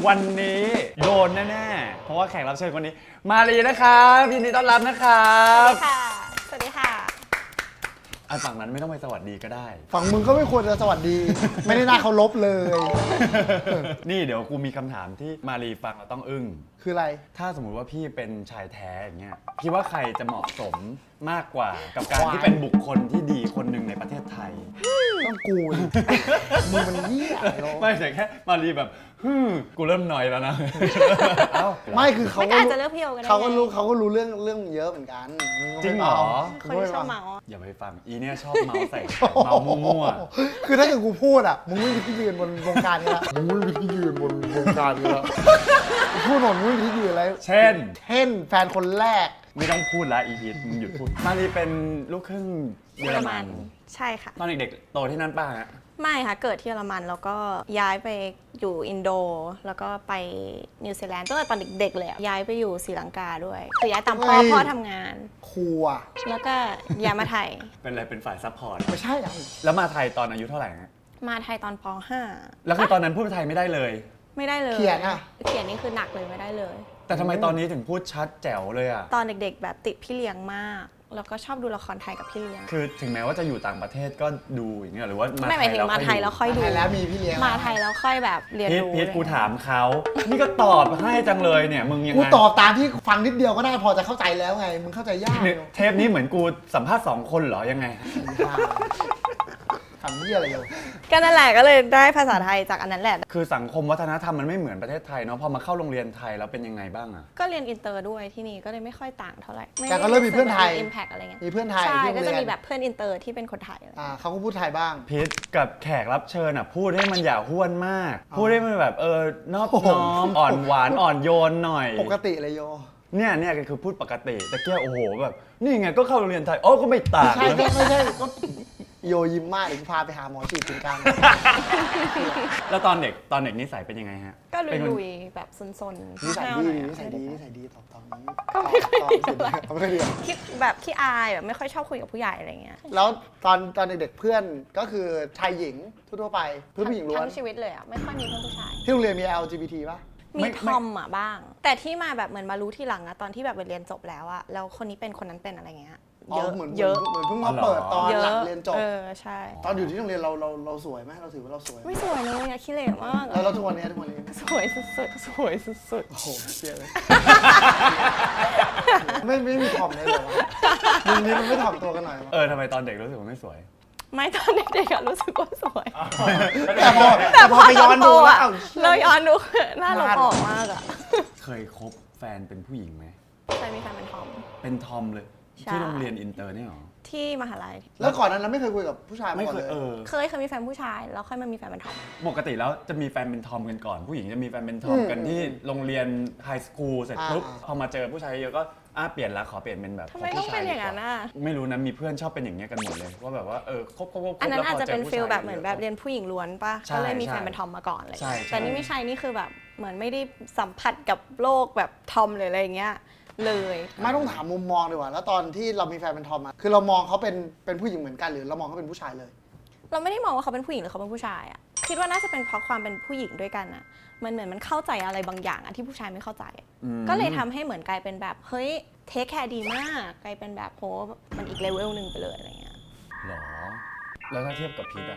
วันนี้โดนแน่ๆเพราะว่าแขกรับเชิญคนนี้มาลีนะครับยินดีต้อนรับนะครับสวัสดีค่ะสวัสดีค่ะฝั่งนั้นไม่ต้องไปสวัสดีก็ได้ฝั่งมึงก็ไม่ควรจะสวัสดี ไม่ได้น่าเคารพเลยนี่เดี๋ยวกูมีคำถามที่มาลีฟังแล้วต้องอึ้งคืออะไรถ้าสมมุติว่าพี่เป็นชายแท้อย่างเงี้ยพี่ว่าใครจะเหมาะสมมากกว่ากับการที่เป็นบุคคลที่ดีคนหนึ่งในประเทศไทยต้องกูมึงมันเหี้ยไม่ใช่แค่มาลีแบบกูเริ่มหน่อยแล้วนะไม่คือเขาก็อาจจะเลือกพี่โอกันได้เขาก็รู้เรื่องเยอะเหมือนกันจริงเหรอคนที่ชอบเมาอย่าไปฟังอีเนี่ยชอบเมาใส่เมามั่วๆคือถ้าเกิดกูพูดอ่ะมึงไม่มีที่ยืนบนวงการนี้ละมึงไม่มีที่ยืนบนวงการนี้ละพูดหมดมึงไม่มีที่ยืนอะไรเช่นแฟนคนแรกไม่ต้องพูดละอีพีมึงหยุดพูดมาลีเป็นลูกครึ่งเยอรมันใช่ค่ะตอนเด็กๆโตที่นั่นป่ะฮะไม่ค่ะเกิดที่เยอรมันแล้วก็ย้ายไปอยู่อินโดแล้วก็ไปนิวซีแลนด์ตั้งแต่ตอนเด็กๆเลยย้ายไปอยู่ศรีลังกาด้วยคือย้ายตามพ่อทำงานครัวแล้วก็ย้ายมาไทยเป็นอะไรเป็นฝ่ายซัพพอร์ตไม่ใช่แล้วมาไทยตอนอายุเท่าไหร่ฮะมาไทยตอนป .5 แล้วคือตอนนั้นพูดไทยไม่ได้เลยไม่ได้เลยเขียนนี่คือหนักเลยไม่ได้เลยแต่ทำไมตอนนี้ถึงพูดชัดแจ๋วเลยอะตอนเด็กๆแบบติดพี่เลี้ยงมากแล้วก็ชอบดูละครไทยกับพี่เลี้ยงคือถึงแม้ว่าจะอยู่ต่างประเทศก็ดูอย่างเงี้ยหรือว่าไม่หมายถึงมาไทยแล้วค่อยดูแล้วมีพี่เลี้ยงมาไทยแล้วค่อยแบบเรียนรู้พีทกูถามเขานี่ก็ตอบให้จังเลยเนี่ยมึงยังไงกูตอบตามที่ฟังนิดเดียวก็ได้พอจะเข้าใจแล้วไงมึงเข้าใจยากเทปนี้เหมือนกูสัมภาษณ์2 คนเหรอยังไงทำเหี้ยอะไรอยู่ก็นั่นแหละก็เลยได้ภาษาไทยจากอันนั้นแหละคือสังคมวัฒนธรรมมันไม่เหมือนประเทศไทยเนาะพอมาเข้าโรงเรียนไทยแล้วเป็นยังไงบ้างอะก็เรียนอินเตอร์ด้วยที่นี่ก็เลยไม่ค่อยต่างเท่าไหร่แต่ก็เริ่มมีเพื่อนไทย impact อะไรเงี้ยมีเพื่อนไทยใช่ก็จะมีแบบเพื่อนอินเตอร์ที่เป็นคนไทยเขาก็พูดไทยบ้างพีทกับแขกรับเชิญอะพูดให้มันอย่าห้วนมากพูดให้มันแบบนอบน้อมอ่อนหวานอ่อนโยนหน่อยปกติเลยโยเนี่ยคือพูดปกติแต่เกี้ยโอ้โหแบบนี่ไงก็เข้าโรงเรียนไทยก็ไม่ต่างไม่ใช่ก็โยยิ้มมากอีกพาไปหาหมอฉีดถึงกลางแล้วตอนเด็กนิสัยเป็นยังไงฮะก็ลุยๆแบบซนๆนิสัยดีตอนนี้ก็ไม่ค่อยดีคิดแบบขี้อายแบบไม่ค่อยชอบคุยกับผู้ใหญ่อะไรเงี้ยแล้วตอนเด็กๆเพื่อนก็คือชายหญิงทั่วไปเพื่อนผู้หญิงล้วนทั้งชีวิตเลยไม่ค่อยมีเพื่อนผู้ชายที่โรงเรียนมี LGBT ป่ะมีทอมบ้างแต่ที่มาแบบเหมือนมารู้ทีหลังตอนที่แบบเรียนจบแล้วแล้วคนนี้เป็นคนนั้นเป็นอะไรเงี้ยเยอะเหมือนเพิ่งมาเปิดตอนหลังเรียนจบใช่ตอนอยู่ที่โรงเรียนเราสวยไหมเราถือว่าเราสวยไม่สวยเลยขี้เหร่มากแล้วทุกวันนี้สวยสุดโอ้โหเสียเลยไม่มีถ่อมเลยเหรอมึงนี้มันไม่ถ่อมตัวกันหน่อยทำไมตอนเด็กรู้สึกว่าไม่สวยไม่ตอนเด็กๆรู้สึกว่าสวยแต่พอไปย้อนดูเราย้อนดูหน้าเราออกมากเคยคบแฟนเป็นผู้หญิงไหมเคยมีแฟนเป็นทอมเลยที่โรงเรียนอินเตอร์นี่หรอที่มหาลัยแล้วก่อนนั้นไม่เคยคุยกับผู้ชายไม่เคยเคยมีแฟนผู้ชายแล้วค่อยมามีแฟนเป็นทอมปกติแล้วจะมีแฟนเป็นทอมกันก่อนผู้หญิงจะมีแฟนเป็นทอมกันที่โรงเรียนไฮสคูลเสร็จปุ๊บพอมาเจอผู้ชายเยอะก็เปลี่ยนละขอเปลี่ยนเป็นแบบทำไมต้องเป็นอย่างนั้นไม่รู้นะมีเพื่อนชอบเป็นอย่างเงี้ยกันหมดเลยว่าแบบว่าคบอันนั้นอาจจะเป็นฟีลแบบเหมือนแบบเรียนผู้หญิงล้วนป่ะก็เลยมีแฟนเป็นทอมมาก่อนเลยแต่นี่ไม่ใช่นี่คือแบบเหมือนไม่ได้สัมผัสกับโลกแบบทอมเลยอะไรอย่างเงี้ยเลยไม่ต้องถามมุมมองดีกว่าแล้วตอนที่เรามีแฟนเป็นทอมคือเรามองเขาเป็นผู้หญิงเหมือนกันหรือเรามองเขาเป็นผู้ชายเลยเราไม่ได้มองว่าเขาเป็นผู้หญิงหรือเขาเป็นผู้ชายคิดว่าน่าจะเป็นเพราะความเป็นผู้หญิงด้วยกันมันเหมือนมันเข้าใจอะไรบางอย่างที่ผู้ชายไม่เข้าใจก็เลยทำให้เหมือนกลายเป็นแบบเฮ้ยเทคแคร์ดีมากกลายเป็นแบบโหมันอีกเลเวลนึงไปเลยอะไรเงี้ยหรอแล้วถ้าเทียบกับพีท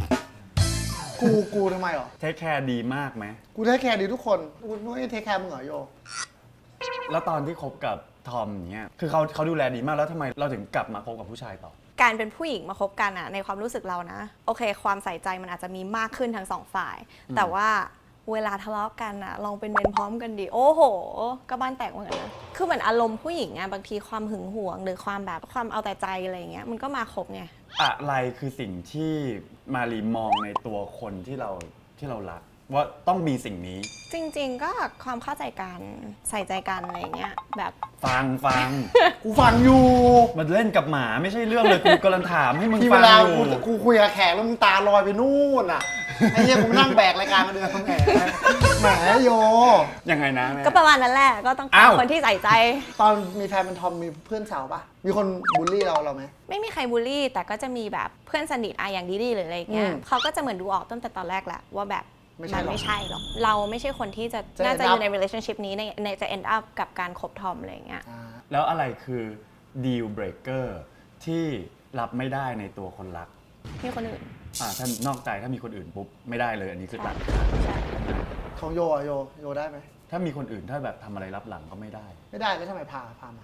กูทำไมหรอเทคแคร์ดีมากไหมกูเทคแคร์ดีทุกคนกูไม่เทคแคร์มึงเหรอโยแล้วตอนที่คบกับทอมเนี่ยคือเขาดูแลดีมากแล้วทำไมเราถึงกลับมาคบกับผู้ชายต่อการเป็นผู้หญิงมาคบกันในความรู้สึกเรานะโอเคความใส่ใจมันอาจจะมีมากขึ้นทั้งสองฝ่ายแต่ว่าเวลาทะเลาะกันลองเป็นเมนพร้อมกันดิโอ้โหก็บ้านแตกเหมือนกันนะคือเหมือนอารมณ์ผู้หญิงบางทีความหึงหวงหรือความแบบความเอาแต่ใจอะไรอย่างเงี้ยมันก็มาครบไงอะไรคือสิ่งที่มารีมองในตัวคนที่เรารักว่าต้องมีสิ่งนี้จริงๆก็ความเข้าใจกันใส่ใจกันอะไรเงี้ยแบบฟังกูฟังอยู่มันเล่นกับหมาไม่ใช่เรื่องเลยกูกำลังถามให้มึงฟังอยู่กูคุยกับแขกแล้วมึงตาลอยไปนู่นไอ้เหี้ยกูนั่งแบกรายการมาเดือนแหมโยยังไงนะก็ประมาณนั้นแหละก็ต้องการคนที่ใส่ใจตอนมีแฟนเป็นทอมมีเพื่อนสาวปะมีคนบูลลี่เราไหมไม่มีใครบูลลี่แต่ก็จะมีแบบเพื่อนสนิทอย่างดีๆหรืออะไรเงี้ยเขาก็จะเหมือนดูออกตั้งแต่ตอนแรกแหละว่าแบบไม่ใช่มันหรอกไม่ใช่หรอกเราไม่ใช่คนที่จะจะน่าจะ end อ up ยู่ใน relationship นี้ในจะ end up กับการคบทอมอะไรอย่างเงี้ยแล้วอะไรคือ deal breaker ที่รับไม่ได้ในตัวคนรักมีคนอื่นถ้านอกใจถ้ามีคนอื่นปุ๊บไม่ได้เลยอันนี้คือตัดใช่ของโยอะโยได้ไหมถ้ามีคนอื่นถ้าแบบทำอะไรรับหลังก็ไม่ได้ไม่ได้แล้วทำไมพามา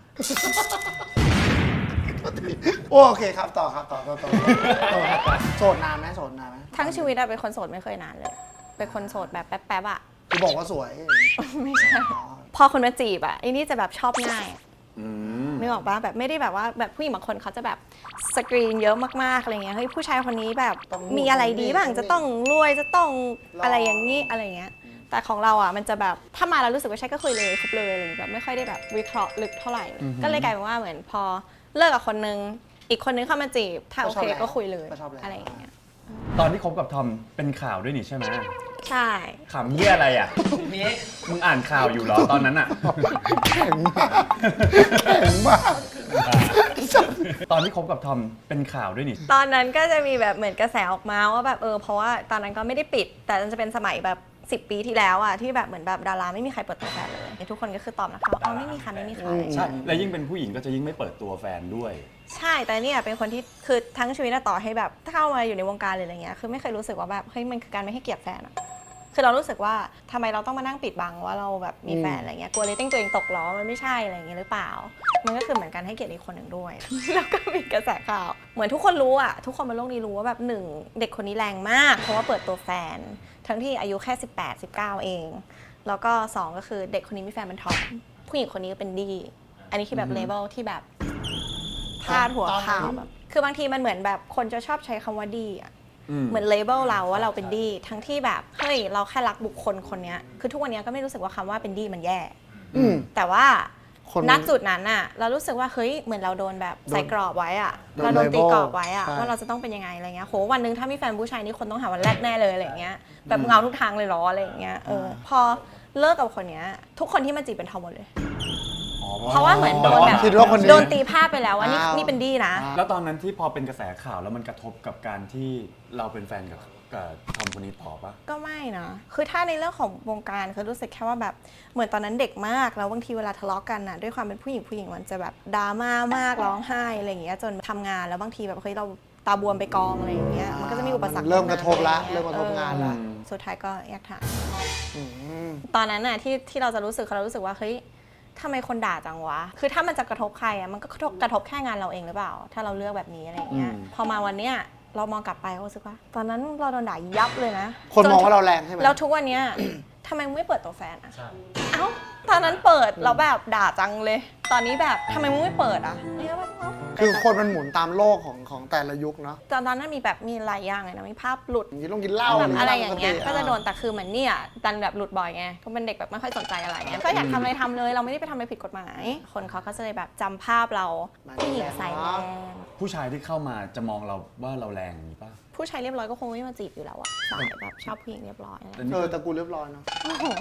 โอเคครับต่อครับต่อโสดนานไหมทั้งชีวิตอะเป็นคนโสดไม่เคยนานเลย เป็นคนโสดแบบแป๊บๆอะกูบอกว่าสวยไม่ใช่ พอคนมาจีบอะไอ้นี่จะแบบชอบง่ายนึกออกปะแบบไม่ได้แบบว่าแบบผู้หญิงบางคนเขาจะแบบสกรีนเยอะมากๆอะไรเงี้ยเฮ้ยผู้ชายคนนี้แบบต้องมีอะไรดีบ้างต้องจะต้องรวยจะต้องหล่อออะไรอย่างนี้อะไรเงี้ยแต่ของเราอ่ะมันจะแบบถ้ามาแล้วรู้สึกว่าใช่ก็คุยเลยคบเลยอะไรเงี้ยแบบไม่ค่อยได้แบบวิเคราะห์ลึกเท่าไหร่ก็เลยกลายเป็นว่าเหมือนพอเลิกกับคนนึงอีกคนนึงเข้ามาจีบถ้าโอเคก็คุยเลยอะไรอย่างเงี้ยตอนที่คบกับทอมเป็นข่าวด้วยนี่ใช่ไหมใช่ข่าวเหี้ยอะไรอ่ะมึงอ่านข่าวอยู่เหรอตอนนั้นอ่ะแข็งมากตอนที่คบกับทอมเป็นข่าวด้วยนี่ตอนนั้นก็จะมีแบบเหมือนกระแสออกมาว่าแบบเพราะว่าตอนนั้นก็ไม่ได้ปิด แต่มันจะเป็นสมัยแบบ10 ปีที่แล้วอะที่แบบเหมือนแบบดาราไม่มีใครเปิดตัวแฟนเลยทุกคนก็คือตอบนะคะว่าไม่มีค่ะไม่มีค่ะใช่ และยิ่งเป็นผู้หญิงก็จะยิ่งไม่เปิดตัวแฟนด้วยใช่แต่เนี่ยเป็นคนที่คือทั้งชีวิตอะต่อให้แบบถ้าเข้ามาอยู่ในวงการหรืออะไรเงี้ยคือไม่เคยรู้สึกว่าแบบเฮ้ยมันคือการไม่ให้เกียรติแฟนอะคือเรารู้สึกว่าทำไมเราต้องมานั่งปิดบังว่าเราแบบมีแฟนอะไรเงี้ยกลัวเรตติ้งตัวเองตกเหรอมันไม่ใช่อะไรเงี้ยหรือเปล่า มันก็คือเหมือนกันให้เกียรติอีกคนหนึ่งด้วย แล้วก็มีกระแสข่าวเหมือนทุกคนรู้อะทุกคนบนโลกนี้รู้ว่าแบบหนึ่งเด็กคนนี้แรงมากเพราะว่าเปิดตัวแฟน ทั้งที่อายุแค่18 19เองแล้วก็2ก็คือเด็กคนนี้มีแฟนเป็นทอมผู้หญิงคนนี้ก็เป็นดีอันนี้คือแบบเลเวลที่แบบพาดหัวข่าวแบบคือบางทีมันเหมือนแบบคนจะชอบใช้คำว่าดีอะเหมือนเลเบลเราว่าเราเป็นดีทั้งที่แบบเฮ้ยเราแค่รักบุคคลคนนี้คือทุกวันนี้ก็ไม่รู้สึกว่าคำว่าเป็นดีมันแย่แต่ว่าณจุดนั้นน่ะเรารู้สึกว่าเฮ้ยเหมือนเราโดนแบบใส่กรอบไว้อะเราโดนตีกรอบไว้อะว่าเราจะต้องเป็นยังไงอะไรเงี้ยโหวันนึงถ้ามีแฟนผู้ชายนี่คนต้องหาวันแรกแน่เลยอะไรเงี้ยแบบเงาทุกทางเลยเหรออะไรเงี้ยพอเลิกกับคนเนี้ยทุกคนที่มาจีบเป็นทอมหมดเลยเพราะว่าเหมือนโดนแบบคิดว่าคนนี้โดนตีภาพไปแล้วว่านี่เป็นดีนะแล้วตอนนั้นที่พอเป็นกระแสข่าวแล้วมันกระทบกับการที่เราเป็นแฟนกับทอมคนนี้ต่อปะก็ไม่นะ คือถ้าในเรื่องของวงการคือรู้สึกแค่ว่าแบบเหมือนตอนนั้นเด็กมากแล้วบางทีเวลาทะเลาะกันน่ะด้วยความเป็นผู้หญิงมันจะแบบดราม่ามากร้องไห้อะไรอย่างเงี้ยจนทำงานแล้วบางทีแบบเฮ้ยเราตาบวมไปกองอะไรอย่างเงี้ยมันก็จะมีอุปสรรคเริ่มกระทบละอไอย่าเริ่มยกระทบงานละสุดท้ายก็แยกทางตอนนั้นน่ะที่เราจะรู้สึกเรารู้สึกว่าเฮ้ยทำไมคนด่าจังวะคือถ้ามันจะกระทบใครอ่ะมันก็กระทบแค่งานเราเองหรือเปล่า ถ้าเราเลือกแบบนี้อะไรอย่างเงี้ยพอมาวันเนี้ยเรามองกลับไปก็รู้สึกว่าตอนนั้นเราโดนด่ายับเลยนะคนมองว่าเราแรงใช่ไหมแล้วทุกวันเนี้ย ทำไมมึงไม่เปิดตัวแฟนอ่ะเอ้าตอนนั้นเปิดแล้วแบบด่าจังเลย ตอนนี้แบบทำไมมึงไม่เปิดอ่ะเนี่ยแบบคือคนมันหมุนตามโลกของแต่ละยุคเนาะตอนนั้นมีแบบมีหลายอย่างเลยนะมีภาพหลุดอย่างนี้ต้องกินเหล้าแบบอะไรอย่างเงี้ยปติก็จะโดนแต่คือเหมือนเนี่ยดันแบบหลุดบ่อยไงก็เป็นเด็กแบบไม่ค่อยสนใจอะไรเงี้ยก็อยากทำอะไรทำเลยเราไม่ได้ไปทำอะไรผิดกฎหมาย คนเขาก็จะเลยแบบจำภาพเราผู้หญิงใส่แรงผู้ชายที่เข้ามาจะมองเราว่าเราแรงอย่างนี้ปะผู้ชายเรียบร้อยก็คงไม่มาจีบอยู่แล้วอะสายแบบชอบผู้หญิงเรียบร้อยอะไรแต่กูเรียบร้อยเนาะ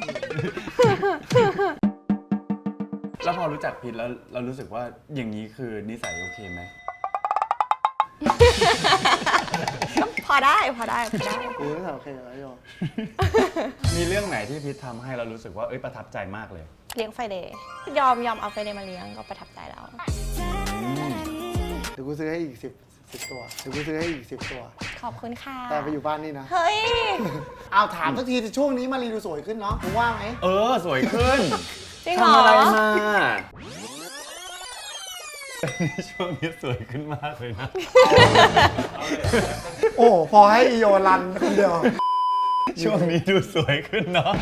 แล้วพอรู้จักพิทแล้วเรารู้สึกว่าอย่างนี้คือนิสัยโอเคไหมพอได้กูรู้สึกโอเคแล้วโยมีเรื่องไหนที่พิททำให้เรารู้สึกว่าประทับใจมากเลยเลี้ยงไฟเดย์ยอมเอาไฟเดย์มาเลี้ยงก็ประทับใจแล้วเดี๋ยวกูซื้อให้อีก10 ตัวเดี๋ยวกูซื้อให้อีก10 ตัวขอบคุณค่ะแต่ไปอยู่บ้านนี่นะเฮ้ยเอาถามสักทีช่วงนี้มารีดูสวยขึ้นเนาะมึงว่าไหมสวยขึ้นจริงเหรอทำอะไรมา ช่วงนี้สวยขึ้นมากเลยนะโอ้พอให้อีโยรันคนเดียวช่วงนี้ดูสวยขึ้นเนาะ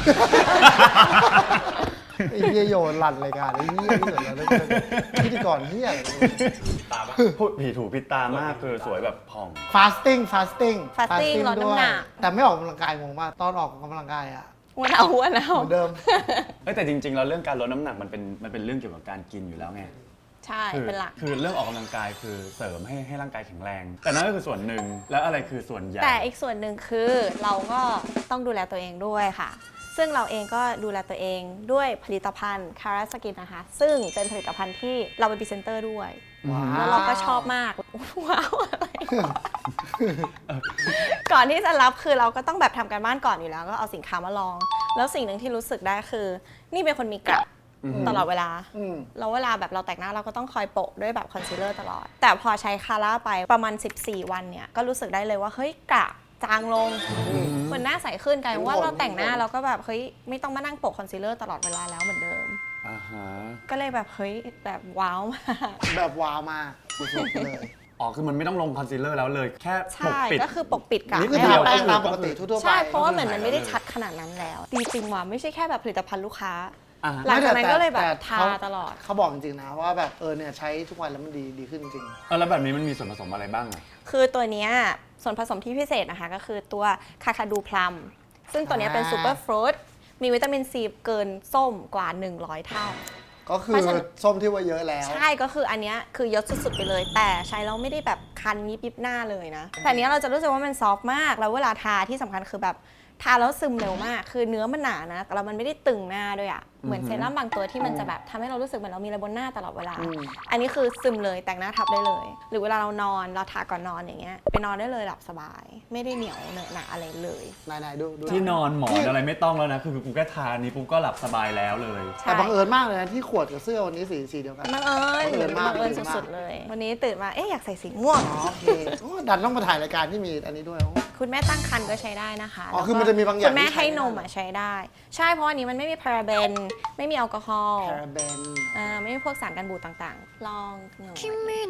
ไอ้เหี้ยโยรันรายการไอ้เหี้ยที่สุดแล้วเลยพิธีกรเหี้ยอะไรพูดผีถูกพิดตามากคือสวยแบบผ่อง fasting ลดน้ำหนักแต่ไม่ออกกำลังกายงงมากตอนออกกำลังกายอะอ้วนเอาเหมือนเดิมแต่จริงๆแล้วเรื่องการลดน้ำหนักมันเป็นเรื่องเกี่ยวกับการกินอยู่แล้วไงใช่เป็นหลักคือเรื่องออกกำลังกายคือเสริมให้ร่างกายแข็งแรง แต่นั่นก็คือส่วนหนึ่งแล้วอะไรคือส่วนใหญ่แต่อีกส่วนหนึ่งคือเราก็ต้องดูแลตัวเองด้วยค่ะ ซึ่งเราเองก็ดูแลตัวเองด้วยผลิตภัณฑ์ Cara Skin นะคะ ซึ่งเป็นผลิตภัณฑ์ที่เราเป็นพรีเซนเตอร์ด้วยว้าวแล้วเราก็ชอบมากว้าวอะไรก่อนที่จะรับคือเราก็ต้องแบบทำการบ้านก่อนอยู่แล้วก็เอาสินค้ามาลอง แล้วสิ่งหนึ่งที่รู้สึกได้คือ นี่เป็นคนมีกระตลอดเวลาแล้วเวลาแบบเราแต่งหน้าเราก็ต้องคอยโปะด้วยแบบคอนซีลเลอร์ตลอดแต่พอใช้คาร่าไปประมาณ14 วันเนี่ยก็รู้สึกได้เลยว่าเฮ้ยกระจางลงเหมือนหน้าใสขึ้นกลายเป็นว่าเราแต่งหน้าเราก็แบบเฮ้ยไม่ต้องมานั่งโปะคอนซีลเลอร์ตลอดเวลาแล้วเหมือนเดิมก็เลยแบบเฮ้ยแบบว้าวมากแบบว้าวมากสุดๆเลยอ๋อคือมันไม่ต้องลงคอนซีลเลอร์แล้วเลยแค่ปกปิดก็คือปกปิดกะนี่คือทาแป้งตามปกติทั่วๆไปใช่เพราะว่าเหมือนมันไม่ได้ชัดขนาดนั้นแล้วจริงๆว่ะไม่ใช่แค่แบบผลิตภัณฑ์ลูกค้าหลังจากนั้นก็เลยแบบทาตลอดเขาบอกจริงๆนะว่าแบบเนี่ยใช้ทุกวันแล้วมันดีขึ้นจริงแล้วแบบนี้มันมีส่วนผสมอะไรบ้างอ่ะคือตัวเนี้ยส่วนผสมที่พิเศษนะคะก็คือตัวคาคาดูพลัมซึ่งตัวนี้เป็นซูเปอร์ฟรุตมีวิตามินซีเกินส้มกว่า100เท่าก็คือส้มที่ว่าเยอะแล้วใช่ก็คืออันนี้คือเยอะสุดๆไปเลยแต่ใช้แล้วไม่ได้แบบคันยิบหน้าเลยนะแต่อันนี้เราจะรู้สึกว่ามันซอฟต์มากแล้วเวลาทาที่สำคัญคือแบบทาแล้วซึมเร็วมากคือเนื้อมันหนานะแต่เรามันไม่ได้ตึงหน้าด้วยอะเหมือนเซรั่มบางตัวที่มันจะแบบทำให้เรารู้สึกเหมือนเรามีอะไรบนหน้าตลอดเวลาอันนี้คือซึมเลยแต่งหน้าทับได้เลยหรือเวลาเรานอนเราทาก่อนนอนอย่างเงี้ยไปนอนได้เลยหลับสบายไม่ได้เหนียวเหนอะหนะอะไรเลยไหนๆดูที่นอนหมอนอะไรไม่ต้องแล้วนะคือกูแค่ทานี้ปุ๊บก็หลับสบายแล้วเลยแต่บังเอิญมากเลยนะที่ขวดกับเสื้อวันนี้สีเดียวกันบังเอิญสุดๆเลยวันนี้ตื่นมาอยากใส่สีม่วงโอเคดันต้องมาถ่ายรายการที่มีอันนี้ด้วยคุณแม่ตั้งครรภ์ก็ใช้ได้นะคะคือมันจะมีบางอย่างคุณแม่ให้นมใช้ได้ใช่เพราะอันนี้มันไม่มีพาราเบนไม่มีแอลกอฮอล์ไม่มีพวกสารกันบูดต่างๆลองหน่อย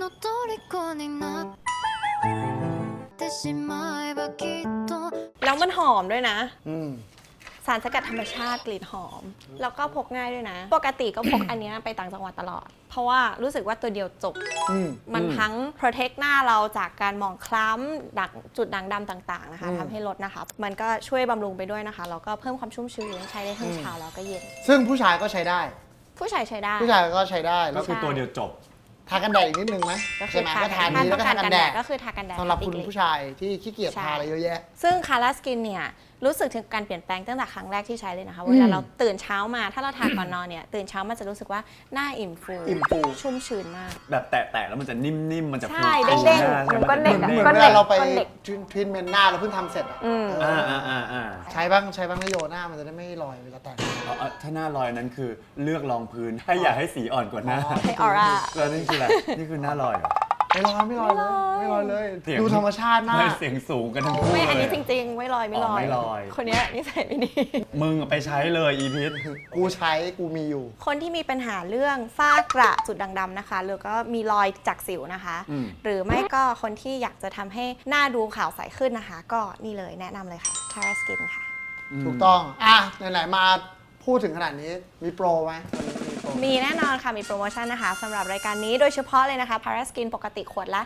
แล้วมันหอมด้วยนะสารสกัดธรรมชาติกลิ่นหอมแล้วก็พกง่ายด้วยนะปกติก็พกอันนี้ไปต่างจังหวัดตลอดเพราะว่ารู้สึกว่าตัวเดียวจบมันทั้ง protect หน้าเราจากการหมองคล้ำดักจุดด่างดำต่างๆนะคะทำให้ลดนะคะมันก็ช่วยบำรุงไปด้วยนะคะแล้วก็เพิ่มความชุ่มชื้นใช้ได้ทั้งเช้าแล้วก็เย็นซึ่งผู้ชายก็ใช้ได้ผู้ชายใช้ได้ผู้ชายก็ใช้ได้ก็คือตัวเดียวจบทากันแดดอีกนิดนึงไหมใช่ไหมก็ทานี้แล้วก็ทากันแดดก็คือทากันแดดสำหรับคุณผู้ชายที่ขี้เกียจทาอะไรเยอะแยะซึ่งคาร่าสกินเนี่ยรู้สึกถึงการเปลี่ยนแปลงตั้งแต่ครั้งแรกที่ใช้เลยนะคะเวลาเราตื่นเช้ามาถ้าเราทาก่อนนอนเนี่ยตื่นเช้ามันจะรู้สึกว่าหน้าอิ่มฟูชุ่มชื้นมากแบบแตะๆแล้วมันจะนิ่มๆมันจะใช่เด้งๆมันก็เด็กเหมือนเวลาเราไปทรีทเมนต์หน้าเราเพิ่งทำเสร็จใช้บ้างนะโยหน้ามันจะได้ไม่ลอยเวลาแต่งถ้าหน้าลอยนั้นคือเลือกรองพื้นให้อย่าให้สีอ่อนกว่าหน้าให้ออร่าแล้วนี่คืออะไรนี่คือหน้าลอยไม่ลอยเลยดูธรรมชาติมากเสียงสูงกันทั้งคู่ไม่อันนี้จริงๆไม่ลอยคนนี้นิสัยไม่ดีมึงไปใช้เลยอีพิษกูใช้กูมีอยู่คนที่มีปัญหาเรื่องฝ้ากระจุดด่างดำนะคะหรือก็มีรอยจากสิวนะคะหรือไม่ก็คนที่อยากจะทำให้หน้าดูขาวใสขึ้นนะคะก็นี่เลยแนะนำเลยค่ะ Tara Skin ค่ะถูกต้องไหนๆมาพูดถึงขนาดนี้มีโปรไหมมีแน่นอนค่ะมีโปรโมชั่นนะคะสำหรับรายการนี้โดยเฉพาะเลยนะคะ Tara Skin ปกติขวดละ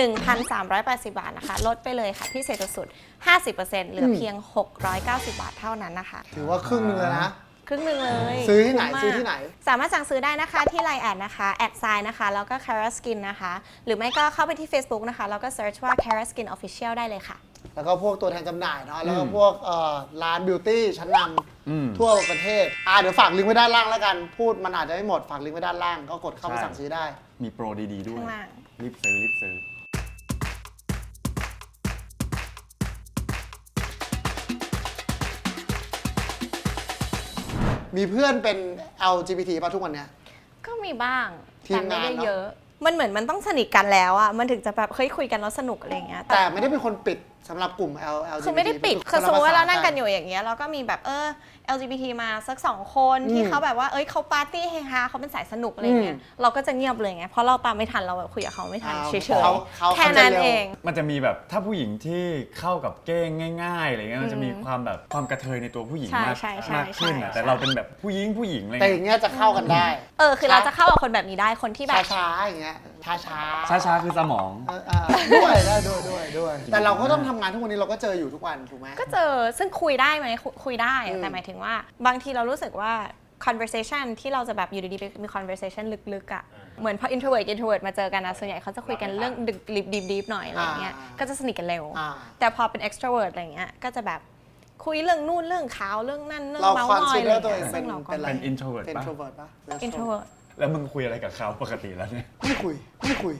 1,380 บาทนะคะลดไปเลยค่ะพิเศษสุด 50% เหลือเพียง 690 บาทเท่านั้นนะคะถือว่าครึ่งนึงเลยนะครึ่งนึงเลยซื้อที่ไหนสามารถสั่งซื้อได้นะคะที่ Line แอดนะคะ@นะคะแล้วก็ Tara Skin นะคะหรือไม่ก็เข้าไปที่ Facebook นะคะแล้วก็ search ว่า Tara Skin Official ได้เลยค่ะแล้วก็พวกตัวแทนจำหน่ายเนาะแล้วก็พวกร้านบิวตี้ชั้นนำทั่วประเทศเดี๋ยวฝากลิงก์ไว้ด้านล่างแล้วกันพูดมันอาจจะไม่หมดฝากลิงก์ไว้ด้านล่างก็กดเข้าไปสั่งซื้อได้มีโปรดีๆด้วยรีบซื้อมีเพื่อนเป็น LGBT ป่ะทุกวันเนี้ยก็มีบ้างแต่ไม่ได้เยอะมันเหมือนมันต้องสนิทกันแล้วอ่ะมันถึงจะแบบเฮ้ยคุยกันแล้วสนุกอะไรเงี้ยแต่ไม่ได้เป็นคนปิดสำหรับกลุ่ม LGBT คือไม่ได้ปิดคือสมมติว่าเรานั่งกันอยู่อย่างเงี้ยเราก็มีแบบLGBT มาสัก2 คนที่เขาแบบว่าเขาปาร์ตี้เฮฮาเขาเป็นสายสนุกอะไรเงี้ยเราก็จะเงียบเลยไงเพราะเราตามไม่ทันเราแบบคุยกับเขาไม่ทันเฉยๆแค่นั้นเองมันจะมีแบบถ้าผู้หญิงที่เข้ากับเก้งง่ายๆอะไรเงี้ยมันจะมีความแบบความกระเทยในตัวผู้หญิงมากขึ้นแต่เราเป็นแบบผู้หญิงอะไรแต่อย่างเงี้ยจะเข้ากันได้คือเราจะเข้ากับคนแบบนี้ได้คนที่แบบช้าๆอย่างเงี้ยช้าคือสมองด้วยแต่เราก็ต้องทำงานทุกวันนี้เราก็เจออยู่ทุกวันถูกไหมก็เจอซึ่งคุยได้ไหมคุยได้แต่หมายถึงว่าบางทีเรารู้สึกว่า conversation ที่เราจะแบบอยู่ดีๆมี conversation ลึกๆอ่ะเหมือนพอ introvert มาเจอกันนะส่วนใหญ่เขาจะคุยกันเรื่องดิบๆหน่อยอะไรเงี้ยก็จะสนิทกันเร็วแต่พอเป็น extrovert อะไรเงี้ยก็จะแบบคุยเรื่องนู่นเรื่องขาวเรื่องนั่นเรื่องเมาส์มอยอะไรเงี้ยซึ่งเราก็เป็น introvert ป่ะ introvert แล้วมึงคุยอะไรกับเขาปกติแล้วเนี่ยไม่คุยไม่คุย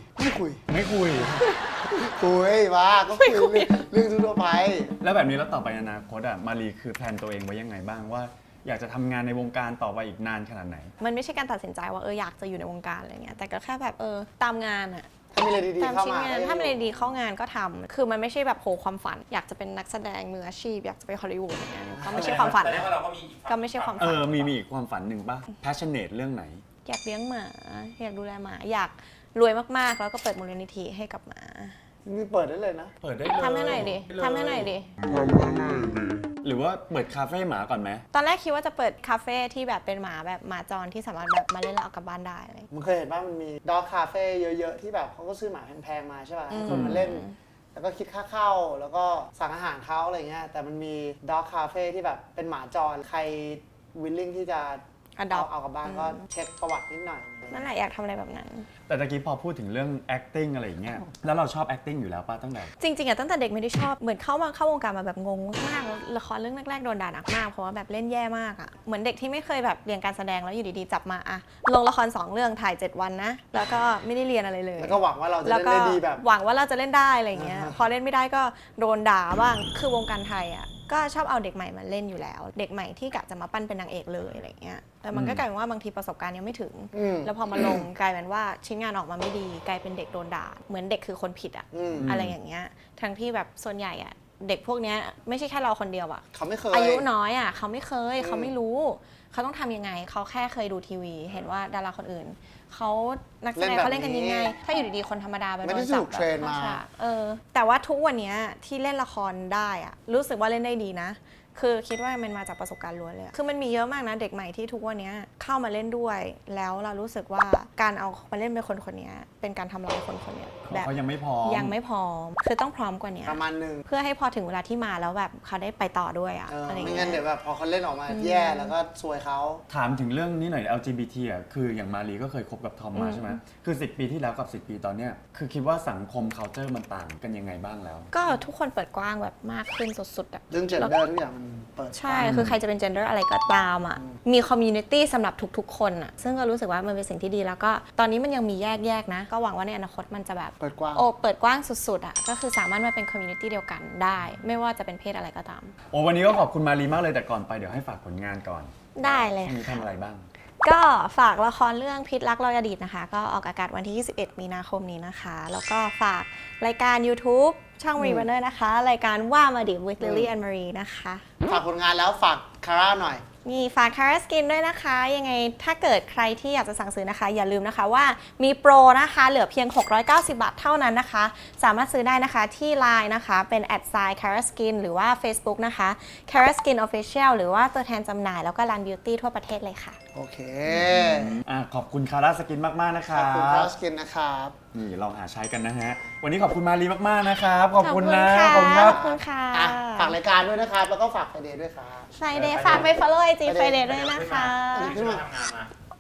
คุยว่าก็คุยเรื่องทั่วไปแล้วแบบนี้แล้วต่อไปในอนาคตมารีคือแพลนตัวเองไว้ยังไงบ้างว่า อยากจะทำงานในวงการต่อไปอีกนานขนาดไหนมันไม่ใช่การตัดสินใจว่าอยากจะอยู่ในวงการอะไรเงี้ยแต่ก็แค่แบบตามงานอะถ้ามีอะไรดีตามๆเข้าชิ้นมางานถ้ามีอะไรดีเข้างานก็ทำคือมันไม่ใช่แบบโหความฝัน อยากจะเป็นนักแสดงมืออาชีพอยากจะไปฮอลลีวูดอย่างเงี้ยก็ไม่ใช่ความฝันแต่นะว่าเราก็มีอีกฝั่งก็ไม่ใช่ความฝันมีอีกความฝันหนึ่งป่ะ passionate เรื่องไหนอยากเลี้ยงหมาอยากดูแลหมาอยากรวยมากๆ แล้วก็เปิดมูลนิธิให้กับหมามีเปิดได้เลยนะเปิดได้เลยทำให้หน่อยดิทำให้หน่อยดิหรือว่าเปิดคาเฟ่หมาก่อนไหมตอนแรกคิดว่าจะเปิดคาเฟ่ที่แบบเป็นหมาแบบหมาจรที่สามารถแบบมาเล่นแล้วเอากลับบ้านได้อะไรอย่างเงี้ยมึงเคยเห็นว่ามันมีด็อกคาเฟ่เยอะๆที่แบบเขาก็ซื้อหมาแพงๆมาใช่ป่ะให้คนมาเล่น แล้วก็คิดค่าเข้าแล้วก็สั่งอาหารเขาอะไรเงี้ยแต่มันมีด็อกคาเฟ่ที่แบบเป็นหมาจรใครวิลลิ่งที่จะ Adopt เอากลับบ้านก็เช็คประวัตินิดหน่อยนั่นแหละอยากทำอะไรแบบนั้นแต่ตะกี้พอพูดถึงเรื่อง acting อะไรอย่างเงี้ย แล้วเราชอบ acting อยู่แล้วป่ะตั้งแต่จริงๆอะตั้งแต่เด็กไม่ได้ชอบเหมือนเข้าวงการมาแบบงงมากๆแล้วละครเรื่องแรกๆโดนด่าหนักมากเพราะว่าแบบเล่นแย่มากอะเหมือนเด็กที่ไม่เคยแบบเรียนการแสดงแล้วอยู่ดีๆจับมาอะลงละคร2เรื่องถ่าย7วันนะแล้วก็ไม่ได้เรียนอะไรเลยแล้วก็หวังว่าเราจะแล้วเล่นก็ได้ดีแบบหวังว่าเราจะเล่นได้อะไรอย่างเงี้ยพอเล่นไม่ได้ก็โดนด่าบ้างคือวงการไทยอะก็ชอบเอาเด็กใหม่มาเล่นอยู่แล้ว เด็กใหม่ที่กะจะมาปั้นเป็นนางเอกเลยอะไรอย่างเงี้ยแต่มันก็กลายเป็นว่าบางทีประสบการณ์ยังไม่ถึง แล้วพอมาลงกลายเป็นว่าชิ้นงานออกมาไม่ดีกลายเป็นเด็กโดนด่าเหมือนเด็กคือคนผิดอะอะไรอย่างเงี้ยทั้งที่แบบส่วนใหญ่อะเด็กพวกเนี้ยไม่ใช่แค่เราคนเดียวอะเขาไม่เคยอายุน้อยอะเขาไม่เคยเขาไม่รู้ เขาต้องทำยังไงเขาแค่เคยดูทีวี เห็นว่าดาราคนอื่นเขานักแสดงเขาเล่นกันยังไง ถ้าอยู่ดีๆคนธรรมดาไปไม่ได้โดนจับถูกเทรนมาเข้ฉกแต่ว่าทุกวันเนี้ยที่เล่นละครได้อะรู้สึกว่าเล่นได้ดีนะ คือคิดว่ามันมาจากประสบการณ์ล้วนเลยอะคือมันมีเยอะมากนะเด็กใหม่ที่ทุกวันนี้เข้ามาเล่นด้วย แล้วเรารู้สึกว่าการเอามาเล่นเป็นคนนี้เป็นการทำร้ายคนนี้แบบเขายังไม่พร้อมยังไม่พร้อมคือต้องพร้อมกว่านี้ประมาณนึงเพื่อให้พอถึงเวลาที่มาแล้วแบบเขาได้ไปต่อด้วยอะอะไรอย่างไม่เงี้งั้นเดี๋ยยวแบบพอเขาเล่นออกมาแย่แล้วก็ซวยเขาถามถึงเรื่องนี้หน่อย LGBT อ่ะคืออย่างมารีก็เคยคบกับทอมมาใช่ไหมคือ 10 ปีที่แล้วกับ 10 ปีตอนเนี้ยคือคิดว่าสังคม culture มันต่างกันยังไงบ้างแล้วก็ทุกคนเปิดกว้างแบบมากขึ้นสุดๆอะเรื่องเจนเดอร์ทุกอย่างมันเปิดใช่ คือใครจะเป็น gender อะไรก็ตามอ่ะ มี community สำหรับทุกๆ คนอ่ะ ซึ่งก็รู้สึกว่ามันเป็นสิ่งที่ดีแล้วก็ตอนนี้มันยังมีแยกๆนะ ก็หวังว่าในอนาคตมันจะแบบเปิดกว้างเปิดกว้างสุดๆอ่ะ ก็คือสามารถมาเป็น community เดียวกันได้ ไม่ว่าจะเป็นเพศอะไรก็ตามโอ้วันนี้ก็ขอบคุณมารีมากเลยแต่ก่อนไปเดี๋ยวให้ฝากผลงานก่อนได้เลยมีทำอะไรบ้างก็ฝากละครเรื่องพิษรักรอยอดีตนะคะ ก็ออกอากาศวันที่ 21 มีนาคมนี้นะคะ แล้วก็ฝากรายการ YouTube ช่อง Reburner นะคะ รายการว่ามาดิ with Lily and Marie นะคะฝากผลงานแล้วฝากคาร่าหน่อยนี่ฝาก Cara Skin ด้วยนะคะ ยังไงถ้าเกิดใครที่อยากจะสั่งซื้อนะคะ อย่าลืมนะคะว่ามีโปรนะคะ เหลือเพียง 690 บาทเท่านั้นนะคะ สามารถซื้อได้นะคะที่ Line นะคะเป็น @Cara Skin หรือว่า Facebook นะคะ Cara Skin Official หรือว่าตัวแทนจำหน่ายแล้วก็ร้าน Beauty ทั่วประเทศเลยค่ะโอเคขอบคุณคาร่าสกินมากๆนะคขรัอบคุณคาบร่าสกินนะครับนี่ลองหาใช้กันนะฮะ วันนี้ขอบคุณมารีมากๆนะครับ ขอบคุณนะขอบคุณครัค่ะบขอบคุณค่ะอ่ะฝากรายการด้วยนะครับ แล้วก็ฝากไฟเดย์ด้วยครับ Friday ฝากไป follow IG Friday ด้วยนะคะที่มาทำงานมา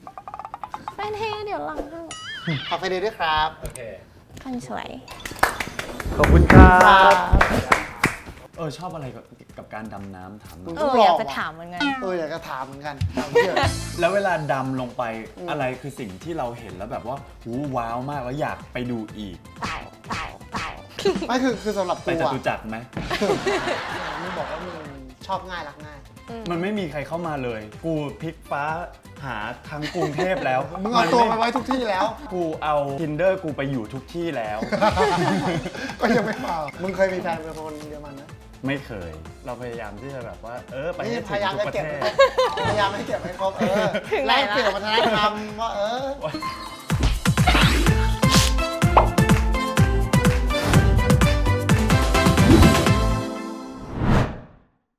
Friday เดี๋ยวหลังให้ฝากไฟเดย์ด้วยครับโอเคคนสวยขอบคุณครับชอบอะไรกับการดำน้ำถามหน่อยอยากจะถามเหมือนกันอยากจะถามเหมือนกันเอาเชื่อแล้วเวลาดำลงไปอะไรคือสิ่งที่เราเห็นแล้วแบบว่าหูว้าวมากแล้วอยากไปดูอีกเต่าไม่คือสำหรับไปกูจอ่ะตุจักรไหมมึงบอกว่ามึงชอบง่ายรักง่ายมันไม่มีใครเข้ามาเลย กูพลิกฟ้าหาทั้งกรุงเทพแล้วมึงเอาตัวไปไว้ทุกที่แล้วกูเอา Tinder กูไปอยู่ทุกที่แล้วก็ยังไม่พอมึงเคยมีแฟนเป็นคนเยอรมันไหมไม่เคย เราพยายามที่จะแบบว่าไปนี่ให้พถึงยายามทุกจะประเก็บเทศพยายามให้เก็บให้ครบถึงไหนแลกละเปลี่ยนวัฒนธรรมว่า